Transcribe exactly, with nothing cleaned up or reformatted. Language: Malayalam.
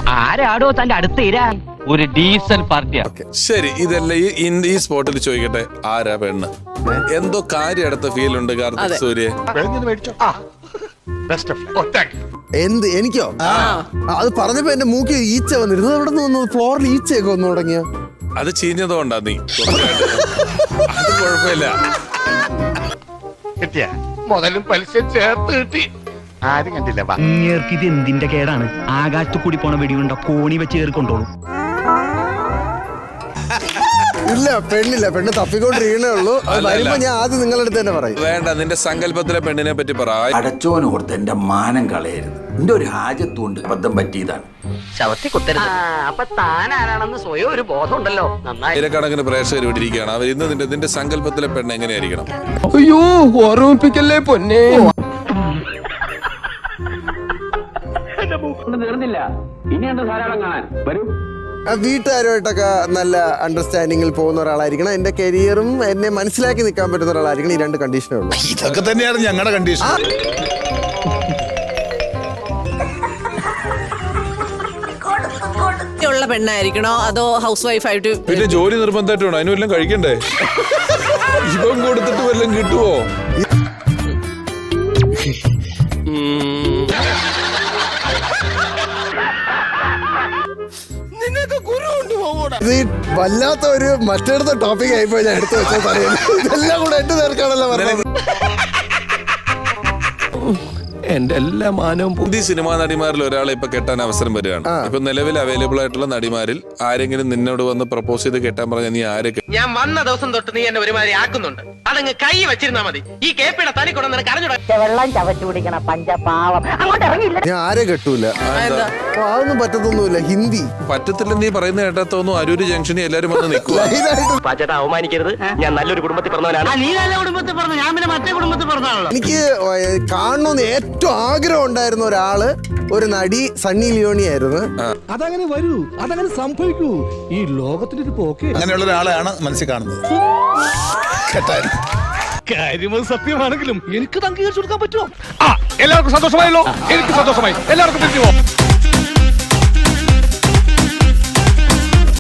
ആരാടോ തന്റെ അടുത്ത് ഇരാൻ? ഒരു ഡീസൽ പാർട്ടിയാ. ശരി, ഇതെല്ലാം ഈ ഈ സ്പോട്ടിൽ ചോദിക്കട്ടെ, ആരാ പെണ്ണ്? എന്തോ കാര്യം അടുത്ത ഫീൽ ഉണ്ട് കാർത്തിക് സൂര്യ. എന്ത് എനിക്കോ? അത് പറഞ്ഞപ്പോ എന്റെ മൂക്കിൽ ഈച്ച വന്നിരുന്നു. അവിടെ നിന്ന് ഫ്ലോറിൽ ഈച്ചയൊക്കെ വന്നു തുടങ്ങിയ. അത് ചീഞ്ഞതുകൊണ്ടാ നീ. അത് കുഴപ്പമില്ല. കിട്ടിയ മുതലും പലിശ ചേർത്ത് കിട്ടി. ആരും കണ്ടില്ല. ഇത് എന്തിന്റെ കേടാണ്? ആകാശത്തു കൂടി പോണ വെടിയുണ്ട കോണി വെച്ച് കയറി കൊണ്ടോളും. ഇല്ല, പെണ്ണില്ല. പെണ്ണ് തപ്പിക്കൊണ്ടിരിക്കണേ ഉള്ളൂ. വരുമ്പോ ഞാൻ ആദ്യം നിങ്ങളുടെ അടുത്ത് തന്നെ പറയും. വേണ്ട, നിന്റെ സങ്കല്പത്തിലെ പെണ്ണിനെ പറ്റി പറ. അടച്ചോനോർത്ത് എന്റെ മാനം കളയരുത്. എന്റെ ഒരു ഹാജത്തുകൊണ്ട് അബദ്ധം പറ്റിയതാണ്. ശവത്തി കുത്തരുത്. അപ്പൊ താൻ ആരാണെന്ന് സ്വയം ഒരു ബോധം ഉണ്ടല്ലോ. ആയിരക്കണക്കിന് പ്രേക്ഷകർ ഇവിടെ ഇരിക്കുകയാണ്. അവർ ഇന്ന് നിന്റെ നിന്റെ സങ്കല്പത്തിലെ പെണ്ണ് എങ്ങനെയായിരിക്കണം? അയ്യോ, ഓർമ്മിപ്പിക്കല്ലേ പൊന്നെ. തീർന്നില്ല, ഇനിയുണ്ട് ധാരാളം കാണാൻ. വരൂ. വീട്ടുകാരുമായിട്ടൊക്കെ നല്ല അണ്ടർസ്റ്റാൻഡിങ്ങിൽ പോകുന്ന ഒരാളായിരിക്കണം. എന്റെ കരിയറും എന്നെ മനസ്സിലാക്കി നിൽക്കാൻ പറ്റുന്ന ഒരാളായിരിക്കണം. ഈ രണ്ട് കണ്ടീഷനേ ഉള്ളൂ. ഇതൊക്കെ തന്നെയാണ് ഞങ്ങളുടെ കണ്ടീഷൻ. ഉള്ള പെണ്ണായിരിക്കണോ അതോ ഹൗസ് വൈഫ് ആയിട്ട്? പിന്നെ ജോലി നിർബന്ധമായിട്ട് വേണം. അതിന് വല്ലതും കഴിക്കണ്ടേ? ഇപ്പം കൊടുത്തിട്ട് വല്ലതും കിട്ടുവോ? ഇത് വല്ലാത്ത ഒരു മറ്റടുത്ത ടോപ്പിക് ആയിപ്പോ ഞാൻ എടുത്തു വെച്ച പറയുന്നത്. ഇതെല്ലാം കൂടെ എട്ട് പേർക്കാണല്ലോ പറഞ്ഞത്. എന്റെ എല്ലാ മാനവും ഹിന്ദി സിനിമാ നടിമാരിൽ ഒരാളെ ഇപ്പൊ കെട്ടാൻ അവസരം വരികയാണ്. ഇപ്പൊ നിലവിൽ അവൈലബിൾ ആയിട്ടുള്ള നടിമാരിൽ ആരെങ്കിലും നിന്നോട് വന്ന് പ്രപ്പോസ് ചെയ്ത് കെട്ടാൻ പറഞ്ഞാൽ നീ ആരെ? ഞാൻ വന്ന ദിവസം തൊട്ട് നീ എന്നെ ഒരുമാതിരി ആക്കുന്നുണ്ട്. അതങ്ങ് കൈ വെച്ചിരുന്നാ മതി. ഈ കേപ്പിയുടെ തനി കൊണ്ട് നിനക്ക് അറിഞ്ഞൂടാ. വെള്ളം ചവച്ചു കുടിക്കണ പഞ്ചപാവം അങ്ങോട്ട് ഇറങ്ങില്ല. ഞാൻ ആരെ കെട്ടൂല. അതൊന്നും പറ്റത്തൊന്നുമില്ല. ഹിന്ദി പറ്റത്തില്ല. നീ പറയുന്ന കേട്ടാത്തോന്നു അരൂര് ജംഗ്ഷനിൽ എല്ലാരും വന്ന് നിൽക്കുക. പാച്ചേട്ടാ, അവമാനിക്കരുത്. ഞാൻ നല്ലൊരു കുടുംബത്തിൽ പറഞ്ഞവനാണ്. നീ നല്ല കുടുംബത്തിൽ പറഞ്ഞു, ഞാൻ പിന്നെ മറ്റേ കുടുംബത്തിൽ പറഞ്ഞാണല്ലോ. എനിക്ക് കാണണമെന്ന് ഏറ്റവും ആഗ്രഹം ഉണ്ടായിരുന്ന ഒരാള് ഒരു നടി സണ്ണി ലിയോണി ആയിരുന്നു. അതങ്ങനെ വരൂ, അതങ്ങനെ സംഭവിക്കൂ. ഈ ലോകത്തിന്റെ ഒരു പോക്ക്. അങ്ങനെയുള്ള ഒരാളെയാണ് മനസ്സിൽ കാണുന്നത്. കാര്യം സത്യമാണെങ്കിലും എനിക്ക് അംഗീകരിച്ചു കൊടുക്കാൻ പറ്റുമോ? എല്ലാവർക്കും സന്തോഷമായല്ലോ. എനിക്ക് സന്തോഷമായി. എല്ലാവർക്കും